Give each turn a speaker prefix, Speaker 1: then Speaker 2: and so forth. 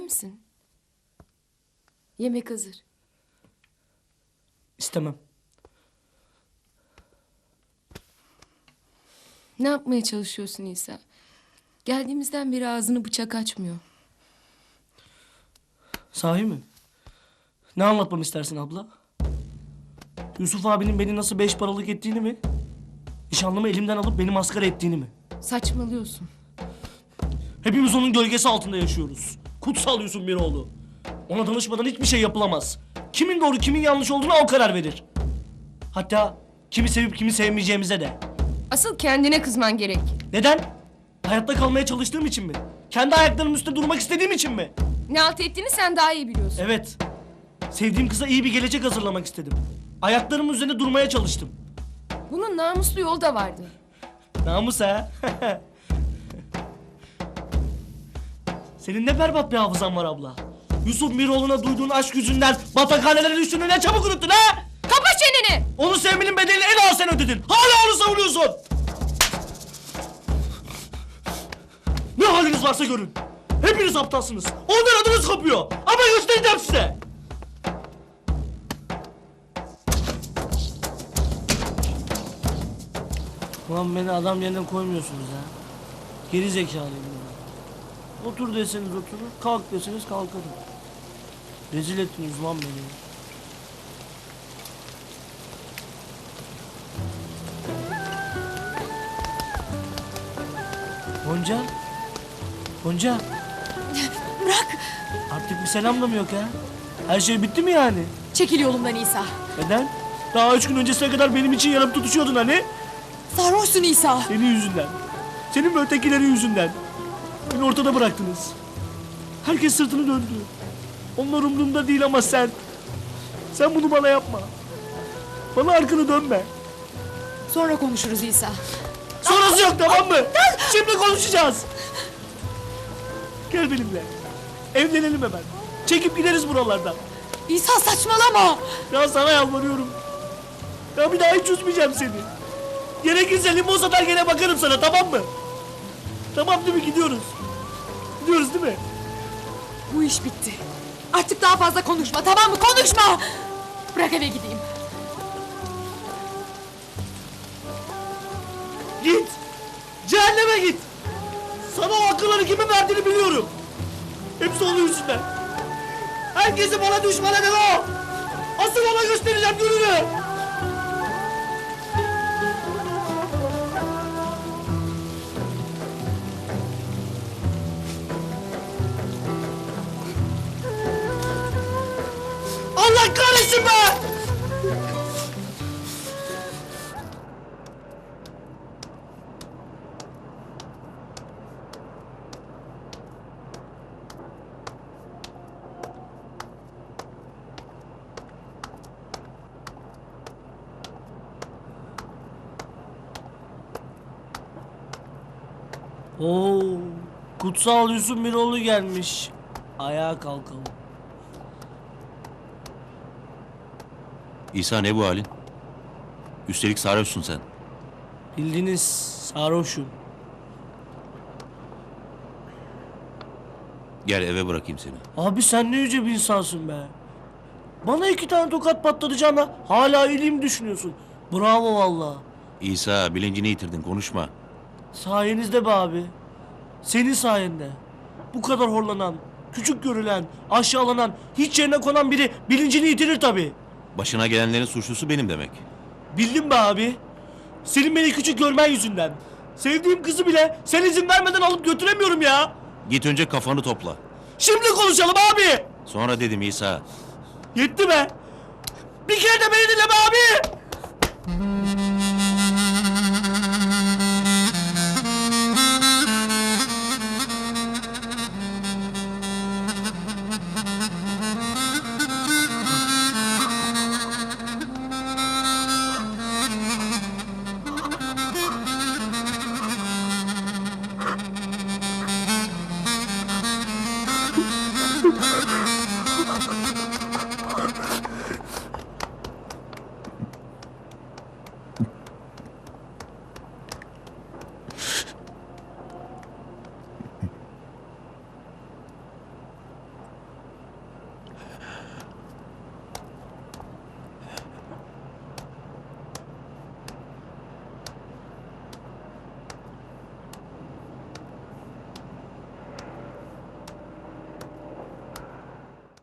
Speaker 1: misin? Yemek hazır.
Speaker 2: İstemem.
Speaker 1: Ne yapmaya çalışıyorsun İsa? Geldiğimizden beri ağzını bıçak açmıyor.
Speaker 2: Sahi mi? Ne anlatmamı istersin abla? Yusuf abinin beni nasıl 5 paralık ettiğini mi? Nişanlımı elimden alıp beni maskara ettiğini mi?
Speaker 1: Saçmalıyorsun.
Speaker 2: Hepimiz onun gölgesi altında yaşıyoruz. Kutsal Yusuf Miroğlu. Ona danışmadan hiçbir şey yapılamaz. Kimin doğru kimin yanlış olduğuna o karar verir. Hatta kimi sevip kimi sevmeyeceğimize de.
Speaker 1: Asıl kendine kızman gerek.
Speaker 2: Neden? Hayatta kalmaya çalıştığım için mi? Kendi ayaklarımın üstünde durmak istediğim için mi?
Speaker 1: Ne halt ettiğini sen daha iyi biliyorsun.
Speaker 2: Evet. Sevdiğim kıza iyi bir gelecek hazırlamak istedim. Ayaklarımın üzerinde durmaya çalıştım.
Speaker 1: Bunun namuslu yolu da vardı.
Speaker 2: Namus ha? Senin ne berbat bir hafızan var abla. Yusuf Miroğlu'na duyduğun aşk yüzünden batakhanelere düştüğünü ne çabuk unuttun ha?
Speaker 1: Kapa çeneni!
Speaker 2: Onu sevmenin bedelini en ağır sen ödedin. Hala onu savunuyorsun. Ne haliniz varsa görün. Hepiniz aptalsınız. Ondan adınız kopuyor. Ama göstereceğim size. Ulan beni adam yerine koymuyorsunuz ha. Geri zekalıyım ben. Otur deseniz oturur, kalk deseniz kalkarım. Rezil ettiniz lan beni. Gonca? Gonca?
Speaker 3: Bırak!
Speaker 2: Artık bir selam da mı yok ha? Her şey bitti mi yani?
Speaker 3: Çekil yolumdan İsa.
Speaker 2: Neden? Daha 3 gün öncesine kadar benim için yanıp tutuşuyordun hani?
Speaker 3: Sarhoşsun İsa.
Speaker 2: Senin yüzünden. Senin ve ötekilerin yüzünden. Beni ortada bıraktınız. Herkes sırtını döndü. Onlar umurumda değil ama sen. Sen bunu bana yapma. Bana arkanı dönme.
Speaker 3: Sonra konuşuruz İsa.
Speaker 2: Sonrası yok, tamam mı? Şimdi konuşacağız. Gel benimle. Evlenelim hemen. Çekip gideriz buralardan.
Speaker 3: İsa saçmalama.
Speaker 2: Ya sana yalvarıyorum. Ya bir daha hiç üzmeyeceğim seni. Gerekirse limon satar gene bakarım sana, tamam mı? Tamam değil mi, gidiyoruz? Gidiyoruz değil mi?
Speaker 3: Bu iş bitti. Artık daha fazla konuşma, tamam mı? Konuşma! Bırak eve gideyim.
Speaker 2: Git. Cehenneme git. Sana o akılları kimin verdiğini biliyorum. Hepsi onun yüzünden. Herkesi bana düşman eden o. Asıl ona göstereceğim gününü. Allah kahretsin be! Oo, kutsal Yusuf Miroğlu gelmiş. Ayağa kalkalım.
Speaker 4: İsa, ne bu halin? Üstelik sarhoşsun sen.
Speaker 2: Bildiğiniz sarhoşum.
Speaker 4: Gel eve bırakayım seni.
Speaker 2: Abi sen ne yüce bir insansın be. Bana 2 tane tokat patlatacağına hala iyiliğimi düşünüyorsun. Bravo valla.
Speaker 4: İsa, bilincini yitirdin, konuşma.
Speaker 2: Sayenizde be abi. Senin sayende. Bu kadar horlanan, küçük görülen, aşağılanan, hiç yerine konan biri bilincini yitirir tabii.
Speaker 4: Başına gelenlerin suçlusu benim demek.
Speaker 2: Bildim be abi. Senin beni küçük görmen yüzünden. Sevdiğim kızı bile sen izin vermeden alıp götüremiyorum ya.
Speaker 4: Git önce kafanı topla.
Speaker 2: Şimdi konuşalım abi.
Speaker 4: Sonra dedim İsa.
Speaker 2: Yetti be. Bir kere de beni dinle be abi.